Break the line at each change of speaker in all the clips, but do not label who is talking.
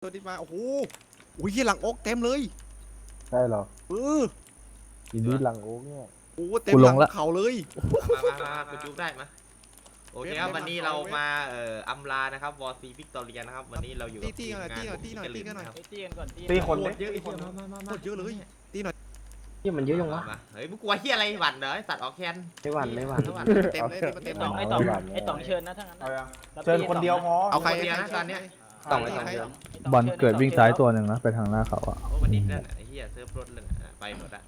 ตัวนี้มาโอ้โหอุ้ยหลังอกเต็มเลย
ใช่หรอทีนี้หลังโอ๊กเนี่ย
โอ้เต็มหลังเขาเลย
มาคุณจุ๊บได้มาโอเคครับวันนี้เรามาอัมลานะครับวอร์ซีวิกตอเรียนะครับวันนี้เราอยู่กับทีมงาน
ตีกันหน่อย
ตีกันก่อน
ตีคนเ
เยอะอีกคน
เยอะเลยตีหน่อย
นี่มันเยอะยังวะ
เฮ้ยมึงกลัวเฮียอะไรหวั่นเหรอสัตว์ออกแคน
ไม่หวั่น
เต็มเลยเต็ม
ไอ้ต่องเชิญนะทั้งนั้น
เชิญคนเดียวพอ
เอาใคร
เดียวนะตอนเนี้ย
ต้องใคร
บอลเกิดวิ่งซ้ายตัวหนึ่งนะไปทางหน้าเขาอะ
โอ้วันนี้เล่นไอ้เฮียเซิร์ฟรถเลยไปหมดละ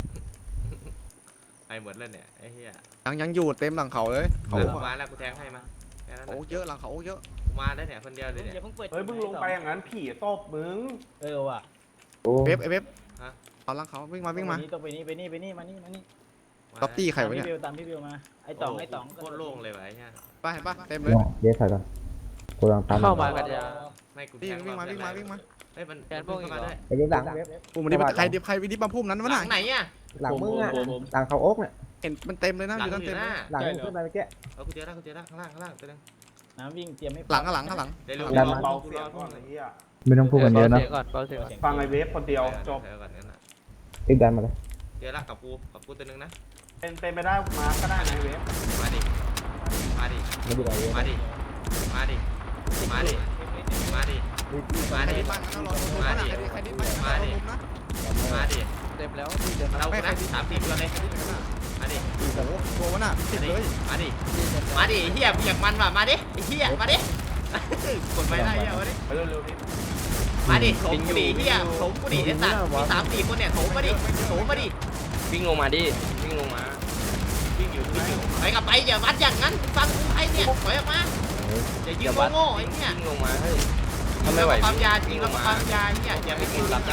ไปหมดเลยเนี่ยไอ้เฮีย
ยังอยู่เต็มหลังเขาเลยเขา
มาแล้วกูแทงให้มา
โอ้เยอะหลังเขาเยอะ
มาได้เนี่ยคนเดียวเลยเนี่ย
อย่าเพิ่งเปิด
เฮ้ยมึงลงไปอย่างนั้นผีตบมึง
ว่ะ
เว็บไอเว็บเอาหลังเขาวิ่งมา
ต้องไปนี่มานี่
ท็อปตี้ใครวะเนี่ย
ตามพี่บิวมาไอ้ต่อง
โคตรโล่งเลยว่ะไอ้เฮีย
ไปเห็นปะเต็มเลย
เดี๋ยวถ่ายกันกูลังตาม
เข้ามากันยา
ไม่กู
วิ่งมา
เฮ้ยมันพวกเข้ามาด้วย
ไอ้เว็บหลัง
ปุ่มนี้ใครวิดิบัมพุ่มนั้นวะ
หลั
น่ะ
งไหนอ่ะ
หลังมึงอ่ะหลังเขาโอ๊กเนี่ย
เห็นมันเต็มเลยนะ
หลั
อง ยู่นั่น
อ
เต็ม
ยู่หน้า
หลังมึงขึ้นไปเมื่อกี้
กูเจอแล้วข้างล่างตัวนึง
น้ำวิ่งเตรียมให้
หลังข้างหลัง
เดี๋ยว
เบาเสียงก่อนไอ้เหี้ย
ไม่ต้องพูดกันเยอะนะ
ฟังไอ้เว็บคนเดียวจบ
ก่อนนั่นน่ะ
อีกดันมาเลย
เจอละกับกูตัวนึงนะ
เป็นไปได้มาก็ได้นะเว็บ
มาดิ
ไม่ได้เว็บ
มาดิ มาดิ มาดิ มาดิ มาดิ มาดิ
ใครดิ
มาดิ มาดิ
เต็มแล้ว
เราคนนะ3-4ตัวเลยมาดิ
โอ้โหตัววะน่ะติดเลย
มาดิ มาดิเฮียอยากมันว่ะมาดิเฮียมาดิกดไปได้เฮียมาดิ
ไปเร็วๆพี่
มาดิโถมกูดิเฮียโถมกูดิไอ้สัตว์มี3-4คนเนี่ยโถมมาดิโถมมาดิ
วิ่งลงมาดิ วิ่งลงมา
วิ่งอยู่ไปกับไปอย่าวัดอย่างนั้นฟังกูไอ้เนี่ยถอยออกมาอย่ายืนโง่ๆไอ้เนี่ย
วิ่งลงมาเฮ้ย
ทำไมไหวความยาจริงแล้วความยาเนี่ยอย่าไปกินรับได้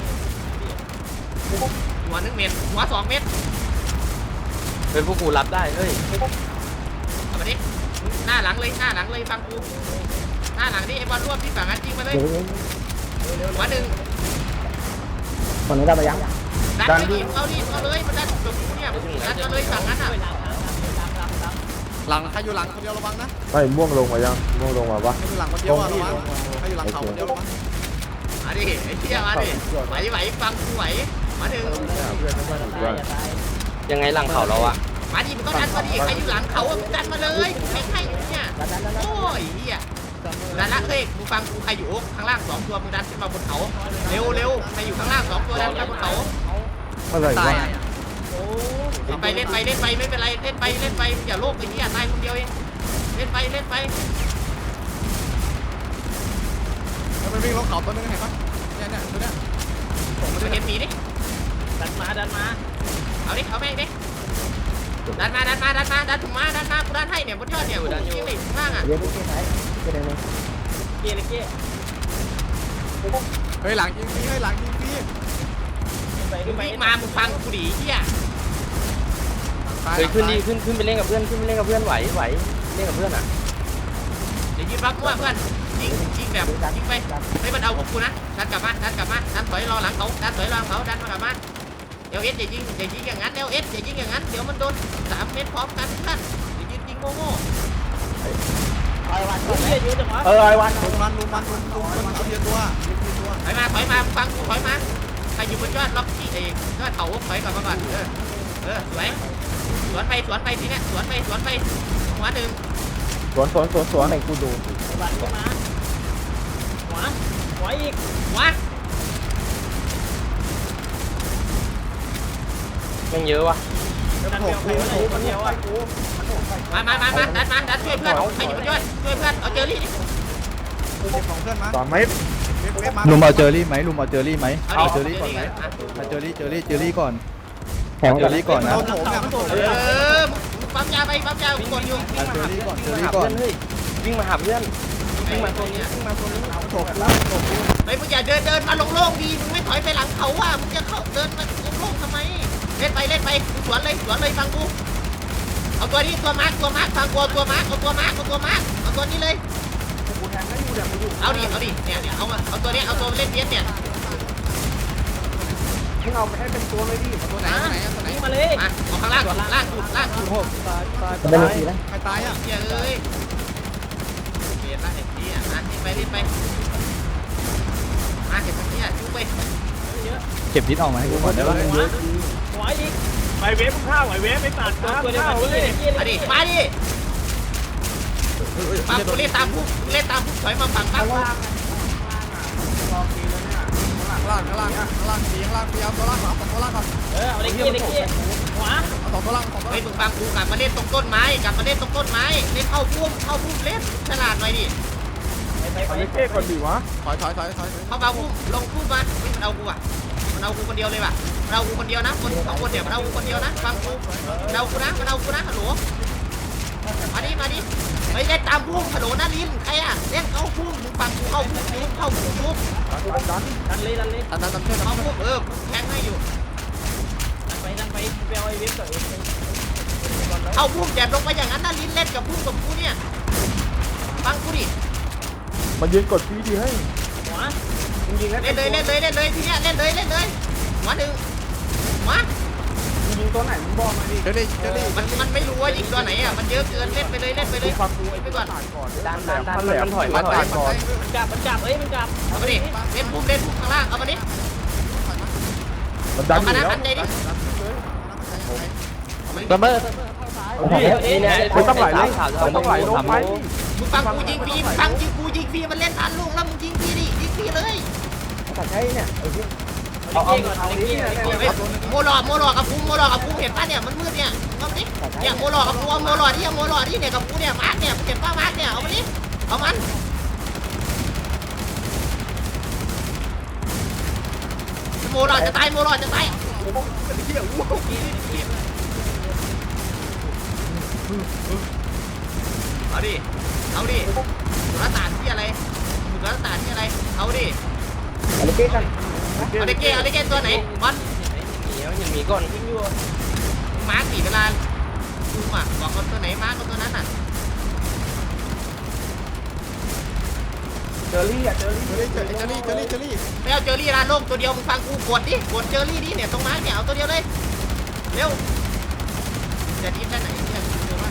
หัว1 เม็ดหัว2 เม็ด
เฮ้ยพวกกูรับได้เฮ้ย
เอามาดิหน้าหลังเลยฟังกูหน้าหลังนี่ไอ้บอลรวบที่ฝั่งนั้นจริงมาเลยหัว1
คนนี้ได้มายัง
ดันไปดิเอาเลยมันดันจบเนี่ยดันมาเลยฝั่งนั้นอ่ะ
หลังใครอยู่หลังคนเดียวระวังนะ
ไม่ม่วงลงมายังม่วงลงมาปะ
ใครอยู่หลังคนเดียวระวังใครอยู่หลังเขาคนเดียวระวัง
มาดิไอ้เหี้ยมาดิไหวฟังกูไหวมาดึง
ยังไงหลังเขาเราอะ
มาดิมันต้องดันมาดิใครอยู่หลังเขาดันมาเลยกูแข่งให้อยู่เนี่ยโอ้ยเหี้ยดันละเฮ้ยมึงฟังกูใครอยู่ข้างล่าง2 ตัวมึงดันขึ้นมาบนเขาเร็วใครอยู่ข้างล่าง2 ตัวดันขึ้นมาบนเขา
อะไรวะ
เล่นไปไม่เป็นไรเล่นไปอย่าโลภไอ้เหี้ยตายคนเดียวเองเล่นไป
มันวิ่งลงเขาตัวนึงเห็นปะเนี่ยตัวเนี้ย
มันเห็นหมีดิ
ดันมา
เอาดิเอาแม่งดิดันมาถุงมากูดันให้เนี่ยบนยอดเนี่ยดันอยู่ข้างล่างอ่ะ
เว็บที่ไหนที่ไหน
เกี้ย
เฮ้ยหลังยิงพี่หลังยิงพี่
มึงวิ่งมามึงฟังกูดิเหี้ย
เฮ้ยขึ้นดิขึ้นไปเล่นกับเพื่อนไหวเล่นกับเพื่อนอะ
เดี๋ยวยืนรับมั่วเพื่อนยิงแบบยิงไปไม่มันเอาพวกกูนะดันกลับมาดันถอยรอหลังเขาดันมากลับมาเดี๋ยวเอสอย่ายิงอย่างนั้นเดี๋ยวเอสอย่ายิงอย่างนั้นเดี๋ยวมันโดน3 เม็ดพร้อมกันท่านอย่ายิงโง่
ไอ้วันเยอะจังวะ
ไอ้วัน
ลุมมันเอาเดียวตัว
ถอยมาฟังกูถอยมาใครอยู่บนยอดล็อกที่ยอดเขาถอยกลับมาก่อนสวยสวนไปทีเนี้ยสวนไปหัว1
สวนให้กูดู
ไอ้วันก็มาหัวอีก
หัว
ยังเยอะวะ
ดันเดียวคนเดียวอ่ะ
มาดันช่วยเพื่อนใครอยู่บนยอดช่วยเพื่อนเอาเจอรี่ดิ
ของเพื่อนมา
สอนไหม
ลุมเอาเจอรี่ไหม
เอา
เจอรี่ก่อนไหมเจอรี่ก่อน
แข่ง
เจอรี่ก่อนนะ
โถมเนี่ยมันโถม
ปั๊มยากดอยู่
เจอรี่ก่อน
วิ่งมาหาเพื่อน
วิ่งมาตัวนี้ไอ้มึงอย่าเดินมาโล่งๆดีมึงไม่ถอยไปหลังเขาอ่ะมึงจะเข้าเดินมาโล่งๆทำไมเล่นไปสวนเลยฟังกูเอาตัวนี้ตัวมาร์คฟังกูตัวมาร์คเอาตัวนี้เลยเอาดิเนี่ยเอาตัวนี้เอาตัวเล่นเพี้ยนเนี่ย
มึงเอาไปให้เป็นตัวเลยดิ
ตัวไหน
นี่มาเลย
มาเอาข้างล่างสุด
เป็นทีนะ
ใครตายอ่ะ
เหี้ยเอ้ยเปลี่ยนละไอ้เหี้ยเล่นไป
เก็บดิสออกมาให้กูก่อนได้ปะ
หัวอีกไปเวฟข้าวไอเวฟไปตัดตัวเดียวกันเลย
มาดิมาดิมากูเล่นตามผู้เล่นตามผู้ถอยมาฝั่งบ้าง
ข้างล่างสีข้างล่างพยายามตัวล่างก่อนตัวล่างก่อน
เอาเล็กกี้หัว
เอาสองตัวล่างสองตัว
เฮ้ย
ล่าง
มึงฟังกูกลับมาเล่นตรงต้นไม้กลับมาเล่นตรงต้นไม้เล่นเข้าพุ่มเล่นฉลาดหน่อยดิ
เอาเก้ก่อนดิวะ
ถอย
เข้ามาพุ่มลงพุ่มมันมันเอากูอ่ะมันเอากูคนเดียวเลยว่ะมันเอากูคนเดียวนะคนสองคนเนี่ยมันเอากูคนเดียวนะฟังกูมันเอากูนะฮัลโหลมาดิไม่ได้ตามพุ่มฮัลโหลนะลิ้นใครอ่ะเล่นเข้าพุ่มมึงฟังกูเข้าพุ่มยุบ
ดันเลย
ตันเชื่อ
เข้าพุ่มแทงให้อยู่
ดันไปไปเอาไอเวฟก่อน
เข้าพุ่มแจกลงไปอย่างนั้นนะลิ้นเล่นกับพุ่มกับกูเนี่ยฟังกูดิ
มันยืนกดฟีดีให้
หัว
เล่นเลยทีเนี้ยเล่นเลยหัวหนึ่งหัว
ยิงตัวไหนมึงบอกมาดิ
เจอรี่
มันไม่รู้ว่ายิงตัวไหนอ่ะมันเยอะเกินเล่นไปเลย
ฟังกู
ไปก่อน
ดันมันถอยมา
ตายก่อน
มันกลับมันกลับ
เอามาดิเล่นพุ่มข้างล่างเอามาดิ
มันดัน
เอา
อ
มา
ยู่
นะ
แล้ว
อันใดดิ
ซัมเมอร์นี่เนี่ย
ต้องไหลลงต้องไหลลงไป
มึงฟังกูยิงฟรีมันเล่นทันลูกแล้วมึงยิงฟรีดิยิงฟรีเลย
เอาเล็กกี้
โมหลอกับกูเห็นป่ะเนี่ยมันมืดเนี่ยเอามาดิเนี่ยโมหลอกับกูเอาโมหลอที่เนี่ยกับกูเนี่ยมาร์กเนี่ยเห็นป่ะมาร์กเนี่ยเอามาดิเอามันโมหลอจะตายเอาดิสุรศาสตร์ที่อะไรเอาดิเอาเด็กเก้ตัวไหนบอล
ยังมีก่อน
ยิงอยู่
มาร์กสี่เวลาดูอ่ะบอกคนตัวไหนมาร์กคนตัวนั้นน่ะ
เจอรี่
ไม่เอาเจอรี่ร้านโล่งตัวเดียวมึงฟังกูกดเจอรี่ดิเนี่ยตรงมาร์กเนี่ยเอาตัวเดียวเลยเร็วจะทีมได้ไหนเนี่ยเร็วมาก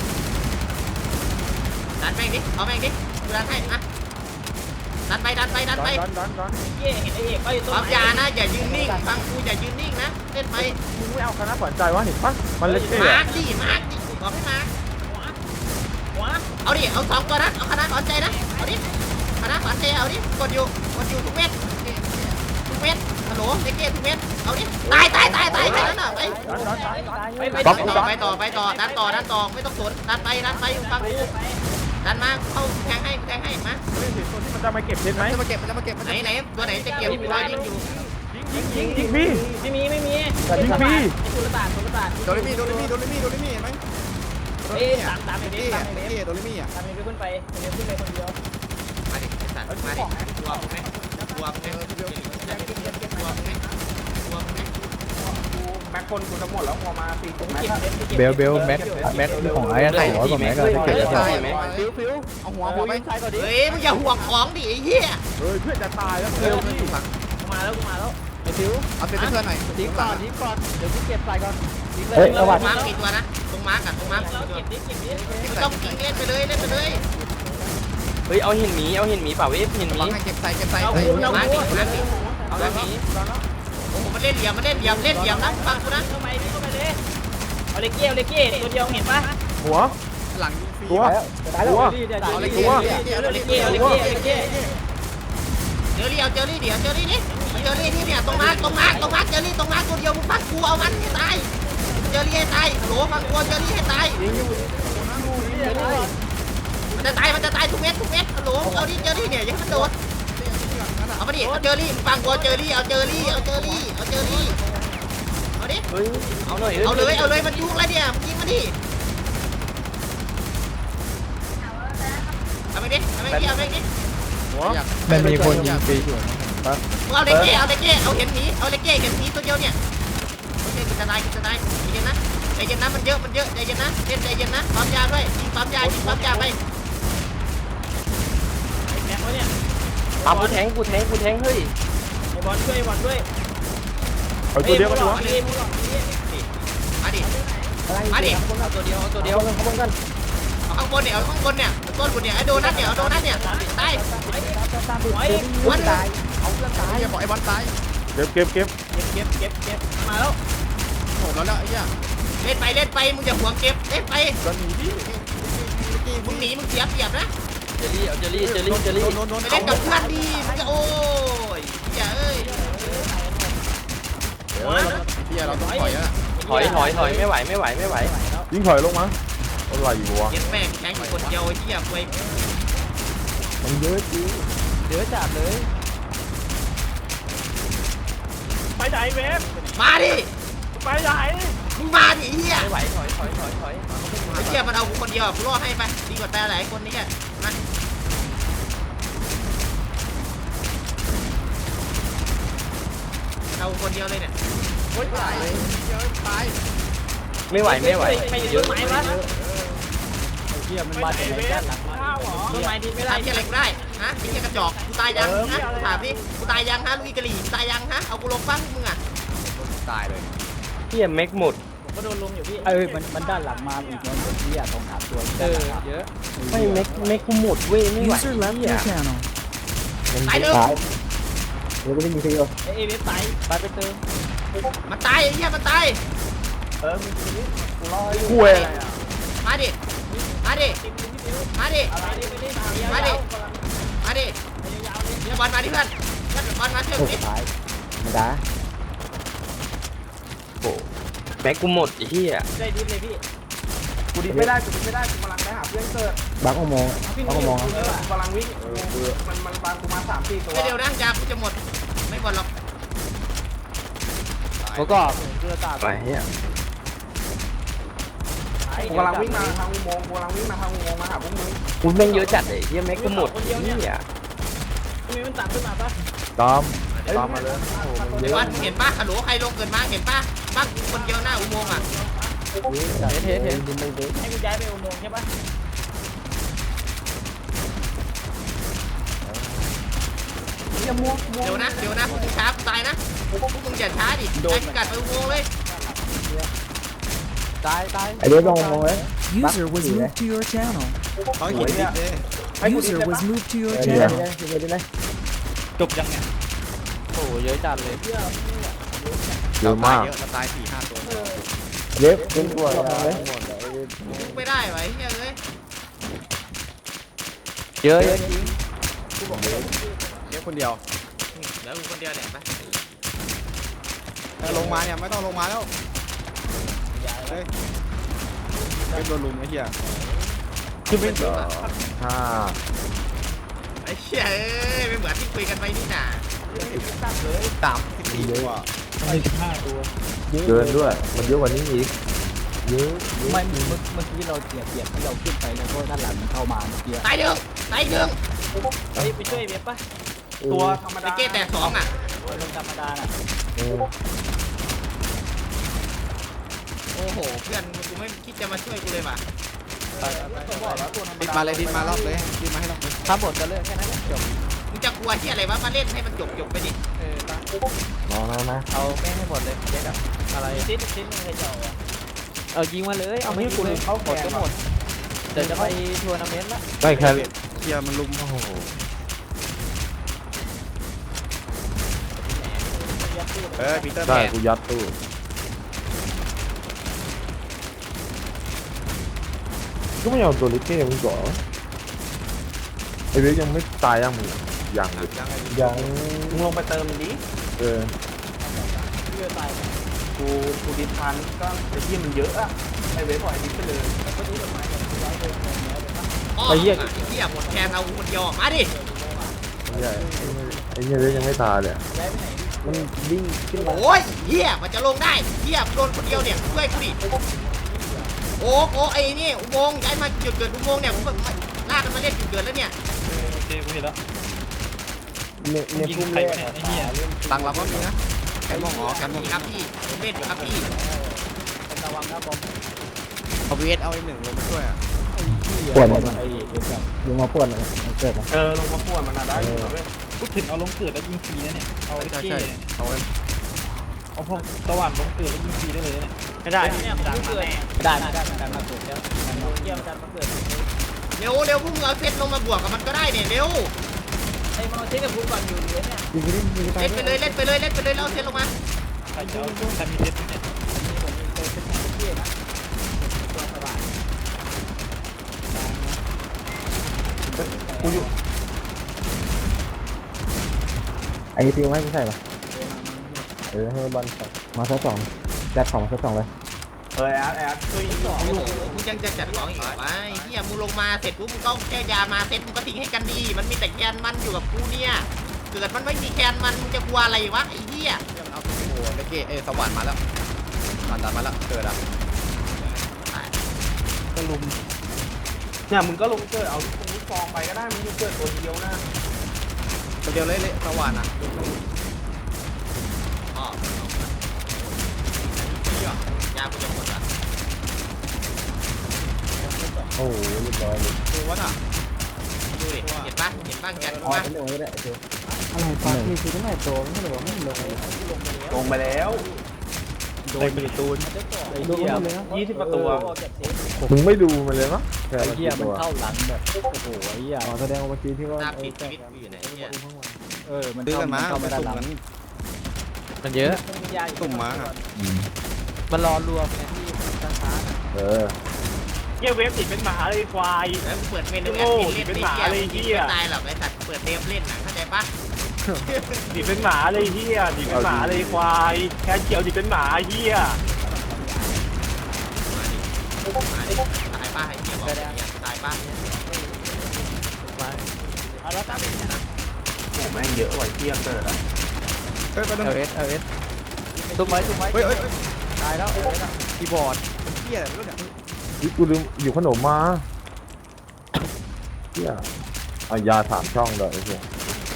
ดันแม่งดิเอาแม่งดิดันให้อะดันไป
เก้เห็นไอเอกไปตัว
ความยานะอย่ายืนนิ่งฟังกูอย่ายืนนิ่งนะเล่นไป
มึงไม่เอาคณะขวัญใจวะเห็นปะมันเล็กเก้
มาร์กดิบอกให้มาร์ก
หัว
เอาดิเอา2ตัวนะเอาคณะขวัญใจนะเอาดิคณะขวัญใจเอาดิกดอยู่ทุกเม็ดฮัลโหลเด็กเก้ทุกเม็ดเอาดิตายแค่นั้นน่ะไปต่อดันต่อไม่ต้องสนดันไปฟังกูดันมาเข้าแทงให้มา
มันจะมาเก็บเพชรไหม
มันจะมาเก็บมัน
ไหนตัวไหนจะเก็บตัวยิงอยู่
ยิงพี่
ไม่มี
ยิงพี่
สุรศาสตร์
โดนมี่เห็นไหม
ตามไอเวฟ
โดนมี่อ่ะ
ตามไอเวฟขึ้นไปคนเดียว
มาดิสัตว์มาดิกลัวไหม
แม็กคนกูจะหมดแล้วพอมาตีตรง
เบลแม็กของไอ้ไข่หัวกับแม็กอะที่เก็บแล้ว
เอาหัวไป
เฮ้ยมึงอย่าห่วงของดิไอ้เหี้ย
เฮ้ยเพื่อนจะตายแล้วเร็วพี่
มาแล้ว
เอาเป็นเพื่อนหน่อยทิ้งก่อน
เฮ้ยระวัง
มาร์กกี่ตัวนะตรงมาร์กตัว
เก็บดิ
ไม่ต้องยิงเล่นไปเลย
เฮ้ยเอาหินหมีเปล่าเวฟหินหมี
ให้เก็บใส่
มาร์กโอ้โหมันเล่นเหลี่ยมนะฟังกูนะ
เข้าไปเลยเอาเล็กเก้ตัวเดียวเห็นปะ
หัว
หลังยิงฟรี
ตัว
เอาเลย
เอาเล็กเก้
เจอรี่เอาเจอรี่ดินี่เนี่ยตรงมาร์กเจอรี่ตรงมาร์กตัวเดียวมึงฟังกูเอามันให้ตายเจอรี่ให้ตายโหลฟังกูเจอรี่ให้ตายมันจะตายทุกเม็ดโหลเอาดิเจอรี่เนี่ยอย่าให้มันโดดเอามาดิเอาเจอรี่ฟังกูเจอรี่เอาดิ
เฮ้ยเอาหน่อย
เอาเลยมันยุ่งแล้วเนี่ยมึงยิงมาดิเอาไปดิ
หัว
มันมีคนยิงฟรีอยู่
มึงเอาเล็กเก้เอาเห็นผีตัวเดียวเนี่ยโอเคกูจะตายใจเย็นนะมันเยอะใจเย็นนะใจเย็นนะปั๊มยาด้วยยิงปั๊มยาไป
แม็กเนี่ย
ปั๊มกูแทงเฮ้ย
ไอบอลช่วย
เอาตัวเดียวกันหัว
มาดิ
เอาตัวเดียว
เอาข้างบนเนี่ยต้นกูเนี่ยไอ้โดนัทเนี่ยตาย
หัว
วัน
อย่าบอกไอ้บอลตาย
เก็บ
เก็บมาแล้ว
โหแล้วไอ้เหี้ย
เล่นไปมึงอย่าห่วงเก็บเล่นไป
ก็หนีดิ
มึงหนีมึงเสียเปรียบนะ
เจลลี่เอาเจลลี่
โดน
ไปเล่นกับเพื่อนดีมึงจะโอ้ยอย่าเอ้ย
เหี้ยเราต้องถอยแล้ว
ถอยไม่ไหว
ยิงถอยลงมาอะไรวะ
เก็บแม่งแทงอยู่คนเดียวไอ้เหี้ยเว้ย
มันเยอะจริง
เยอะจัดเลย
ไปไหนเวฟ
มาดิ
ไปไหน
มึงมาดิไอ้เหี้ย
ไม่ไหวถอย
ไอ้เหี้ยมันเอากูคนเดียวกูรอให้ไปดีกว่าแต่หลายคนนี่แกมาเอาคนเดียวเลยเนี่ย
โอ๊ยตายเลยเดี๋ยวตาย
ไม่ไหว
ไม่เยอะไหมวะ
เฮียมันมาจากไหนด้านหลังมา
ข้าวหรอ
ทำไมดีไม่ได้เหี้ยอะไรกูได้ฮะไอ้เหี้ยกระจอกกูตายยังฮะถามดิกูตายยังฮะลุยกะหรี่กูตายยังฮะเอากูลงบ้างมึงอ่ะ
ตายเลย
เฮียแม็กหมด
ผมก็โดนลุมอยู่พี่
มันด้านหลังมาอีกแล้วเฮียตรงหาตัวเยอะ
ไม่แม็กกูหมดเว้ยไม่ไหวเฮีย
ตายเด้อ
เดี๋ยวก็ไม่มีใครเอา
เอเวฟไป
ไปเติม
มันตายไอ้เหี้ยมันตาย
คุย
มาดิมาดิมาดิ
อะไรนี่ไม่ได้
มาดิมาดิเดี๋ยวบอลมาดิเพื่อนบอลมาเถอะดิ
ตายมาด่า
แม็กกูหมดเฮีย
ได้ดิฟเลยพี่
กูดิไม่ได้กูกำลังไปหาเพื่อนเกิด
บักเอามองบักเอามอง
กูกำลังวิ่งมันปากูมา3-4ตัว
ไม่เร็วนะจากกูจะหมดไม่หมดหรอก
แล้วก็เสื้อตา
ไปเฮีย
กูกำลังวิ่งมาทางอุโมงค์มาหาพวกมึง
กูแม่งเยอะจัดเลยเฮียแม็กกูหมดเฮีย
มีมันตามขึ้นมาปะ
ตามมาเลย
บอลเห็นป่ะฮัลโหลใครลงเกินมาเห็นป่ะบ้านคนเดียวหน้าอุโมงค์อ่ะ
เห็น
ให้กูย้ายไปอุโมงค์ใช่ปะ
เดี๋ยวนะพวกมึงช้าตายนะพวกมึงอย่าช้าดิไอ้กัดไปอุโมงค์เลย
ตาย
ไอเด็กลงมองเลย
User was moved to your channel.
เขาหินดิเลย
User was moved to your
เดี๋ยว
channel.
ได้
จบยังไง
โอ้เยอะจัดเลย
เยอะมาก
เยอะเราตาย4-5ตัว
เด็กเป็นตัวเลย
ลุกไม่ได้ไว้เฮ้ยเลย
เยอะจริง
เดี๋ยวคนเดียว
เดี๋ยวกูคนเดียวเนี่ยไป
ลงมาเนี่ยไม่ต้องลงมาแล้วเฮ้ยเป็นโดนลุมไอ้เหี้ย
คือเป็นห้า
ไอ้เชี่ยเอ้ยไม่เหมือนที่คุยกันไปนี่น่ะ
3-4ตัว
เกินด้วยมันเยอะกว่านี้อีกเยอะ
ไม่เมื่อกี้เราเปรียบที่เราขึ้นไปแล้วก็ด้านหลังมันเข้ามาเมื่อกี้
ตายเด้ง
เฮ้ยไปช่วยเวฟปะ
ตัวธรรม
ไอ้
ดา
เก้แต่2อ่ะ
ลงธรรมดาน่ะ
โอ้โหเพื่อนกูไม่คิดจะมาช่วยกูเลยว่ะ
ดิดมาเลยดิดมารอบเลยดิดมาให้รอบเลย
ทำหมดกันเลยแค่นั้นจบ
มึงจะกลัวที่อะไรวะมาเล่นให้มันจบไปดิ
มองนะ
เอาแม่ให้หมดเลยเจ๊กับอะไร
ชิ้นนึงใครจะเอา
ยิงมาเลยเอาไม่กูเลยเข้าหมดก็หมดเดี๋ยวจะไปทัวร์นาเมนต์ละ
ได้แค่
เหี้ยมันลุม
โอ้โห
ปีเตอร์แม
ได้
น
กูยัดตู้ก็ไม่เอาตัวลิเก้มึงก่อนไอเวกยังไม่ตายยังมึงยังยัง
มึงลงไปเติมดิ
เออ
กูดิทันก็ไอ้ที่มันเยอะอะไอ้เวฟปล่อยดิไปเลย
อ้อไอ้เหี้ยหมดแคนเอาคนเดียวมาดิ
ไม่ใช่ไอ้เนี่ยเวกยังไม่ตายเลยมันวิ่งขึ้นมา
โอ้ยเหี้ยมันจะลงได้เหี้ยโดนคนเดียวเนี่ยช่วยกูดิโอ้ไอ้นี่อุโมงค์ย้ายมาจุดเกิดอุโมงค์เนี่ยผมลากกันมาเล่นจุดเกิดแล้วเนี่ย
โอเคกูเห็นแล้ว
เนี่ยพุ่มแรก
ไอ้เหี้ย
ตังเราก็มีนะแกันมองอ๋อแกันมอง
นี่ครับพี่ผมเล่นอยู่ครับพี่
ระวังนะบอม
เอาเวสเอาไอ้หนึ่งลงมาช่วยอ่ะ
ปวดหมด
ไอ้เด็กแบบ
ยิงมาปวดเลยเกิด
ลงมาป่วนมันได้อยู่นะเว้ย
พูดถึงเอาลงเกิดแล้วยิงฟรีนะเนี่ยเอา
ใช่
เก้
ใช่เอาไว้
เอาพวกสว่านลงเกิดแล้วยิงฟรีได้เลยเนี่ยไม่ได้เนี่ยมันดังมาแน่
ได้มาเกิดแล้ว
เกี่ยวกันมาเกิด
เร็วพวกมึงเอาเพชรลงมาบวกกับมันก็ได้เนี่ยเร็ว
ไอ้มาเช็คกับกูก่อนอยู่เลยเนี่ย
ยิงไปดิยิงไป
เล่นไปเลยเล่นไปเลยเล่นไปเลยแล้วเอาเซนลงมา
ใครจะใครมีเด็ดเนี่ย
กูอยู่ไอ้ฟิวให้กูใส่ปะให้บอลมาสักสองแจ็คของมาสักสองเลย
แอดช่วยยิง
มึงยังจะจัดของอีกเหรอวะไอ้เหี้ยมึงลงมาเสร็จปุ๊บมึงก็แก้ยามาเสร็จมึงก็ทิ้งให้กันดีมันมีแต่แกนมันอยู่กับกูเนี่ยเกิดมันไม่มีแกนมันมึงจะกลัวอะไรวะไอ้เหี้ย
เอาโอ้โหเลเกสวรรค์มาแล้วผ่านดันมาแล้วเกิดอ่ะ
ก็ลุมเนี่ยมึงก็ลงเกิดเอาลูกฟองไปก็ได้มึงยังเกิดตัวเดียวนะ
ตัวเดียวเลยสวรรค์อ่ะ
อ๋อยากูจะหมดละ
โอ้โหเรียบร้อยเลย
ตัววัดอ่ะ
ดูดิเห็นปะเห็นบ้างแกนกู
อ๋อ
ปะ
เป็นโอ้ยได้เดี๋ยวอะไรปะนี่คือตั้งแต่โตไม่ได้บอกไม่ลงเลย
ลงไปแล้ว
โดนมีตูน
ไอ้เหี้ย
20ประตู
มึงไม่ดูมันเลยมั้งแค่
ไอ้
ละ
เหี้ยมัน
ตัว
เข้าหลังแบบโอ้โหไอ้เหี้ย
อ๋อแสดงว่าเมื่อกี้ที่ว่า
หน้าปิดชีวิตกูอยู่ไหนเนี่ย
มัน
ซื้อกันมา
เข้า
ไป
มาด้าน
สุ่ม
หลัง
กัน
มันเยอะ
สุ่มมาอ่ะ
มันรอรวมไงที่ช้า
เฮียเวฟติดเป็นหมาเลยควาย
แล้วเปิดเมนูแอดมินเล่นไม่ตายหรอกไอ้สัตว์เปิดเดฟเล่นนะเข้าใจปะ
ติดเป็นหมาเลยเฮียติดเป็นหมาเลยควายแค่เขียวติดเป็นหมาเฮีย
มาดิตายป้าไอ้เหี้ยบอกเนี่ยตายป้า
เอาแล้วตั้ง
โอ้แม่งเยอะกว่าเที่ยงเกิดอ่ะ
เฮ้ยไปดู
เอสตุ้มไว้
เฮ้ย
ตายแล้วคีย์บอร์ด
เที่ยอะไรไม่รู้เนี่ย
นี่กูลืมอยู่ขนมมาเที่ยเอายา3 ช่องเลยไอ้เหี้ย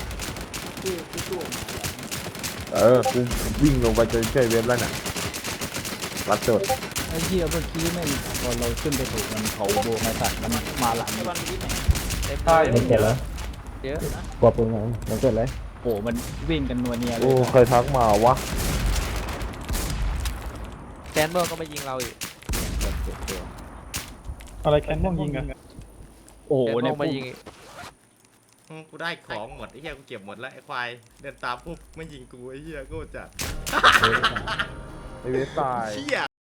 กูวิ่งลงไปจะช่วยเว็บแล้วเนี่ยรัดจด
ไอ้เหี้ยเมื่อกี้แม่งพอเราขึ้นไปถูกมันเขาโบมาสัตว์มันมาหลัง
ใช่
มันเกิดแล้ว
เยอะ
กว่าปืนไงมันเกิดเลย
โอ้มันวิ่งกันนัวเนียเล
โอ้
ย
เคยทักมาวะ
แซนเบอร์ก็มายิงเราอีก
อะไรแคนนอนยิงกัน
โอ้โห
แซนเบอ
เนี่ย
ร์มายิง
กูได้ของหมดไอ้เหี้ยกูเก็บหมดแล้วไอ้ควายเดินตามปุ๊บไม่ยิงกูไอ้เหี้ยกูจัด
ไอเว็บตาย
เหี้ย